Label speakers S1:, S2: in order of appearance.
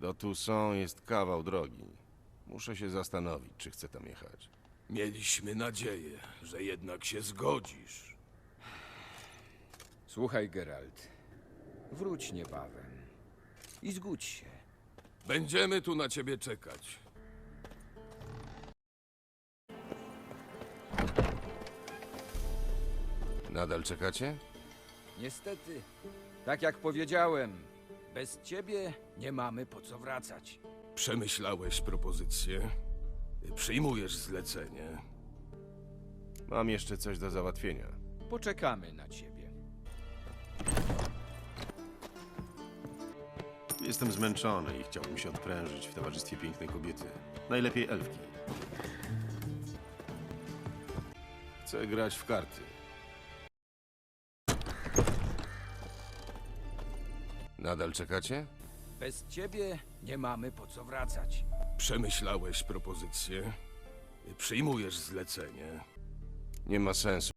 S1: Do Toussaint jest kawał drogi. Muszę się zastanowić, czy chcę tam jechać.
S2: Mieliśmy nadzieję, że jednak się zgodzisz.
S3: Słuchaj, Geralt. Wróć niebawem. I zgódź się.
S2: Będziemy tu na ciebie czekać.
S1: Nadal czekacie?
S3: Niestety, tak jak powiedziałem, bez ciebie nie mamy po co wracać.
S2: Przemyślałeś propozycję? Przyjmujesz zlecenie?
S1: Mam jeszcze coś do załatwienia.
S3: Poczekamy na ciebie.
S1: Jestem zmęczony i chciałbym się odprężyć w towarzystwie pięknej kobiety. Najlepiej elfki. Chcę grać w karty. Nadal czekacie?
S3: Bez ciebie nie mamy po co wracać.
S2: Przemyślałeś propozycję? Przyjmujesz zlecenie?
S1: Nie ma sensu.